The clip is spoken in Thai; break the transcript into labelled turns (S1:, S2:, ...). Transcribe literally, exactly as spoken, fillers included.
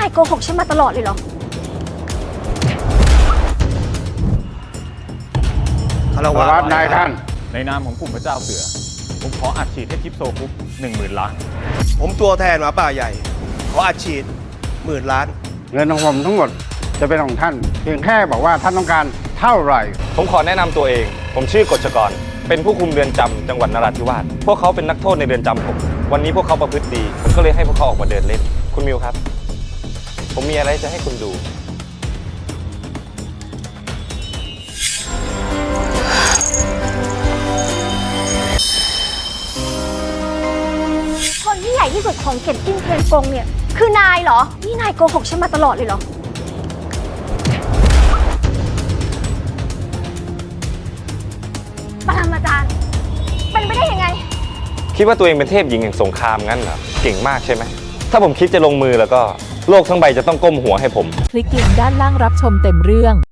S1: ายโกหกฉันมาตลอดเลยเหรอ
S2: คารวะนายท่าน
S3: ในนามของกลุ่มพระเจ้าเสือผมขออัดฉีดให้ทิปโซคุปหนึ่งหมื่นล้าน
S2: ผมตัวแทนหมาป่าใหญ่ขออัดฉีดหมื่นล้าน
S4: เงินของผมทั้งหมดจะเป็นของท่านเพียงแค่บอกว่าท่านต้องการเท่าไหร่
S5: ผมขอแนะนำตัวเองผมชื่อกฤษกรเป็นผู้คุมเรือนจำจังหวัดนราธิวาสพวกเขาเป็นนักโทษในเรือนจำผมวันนี้พวกเขาประพฤติดีผมก็เลยให้พวกเขาออกมาเดินเล่นคุณมิวครับผมมีอะไรจะให้คุณดู
S1: คนที่ใหญ่ที่สุดของเก็บจิ้นเทียนกงเนี่ยคือนายเหรอนี่นายโกหกฉันมาตลอดเลยเหรอปรมาจารย์เป็นไปได้ยังไง
S5: คิดว่าตัวเองเป็นเทพหญิงแห่งสงครามงั้นเหรอเก่งมากใช่ไหมถ้าผมคิดจะลงมือแล้วก็โลกทั้งใบจะต้องก้มหัวให้ผม
S6: คลิกลิงก์ด้านล่างรับชมเต็มเรื่อง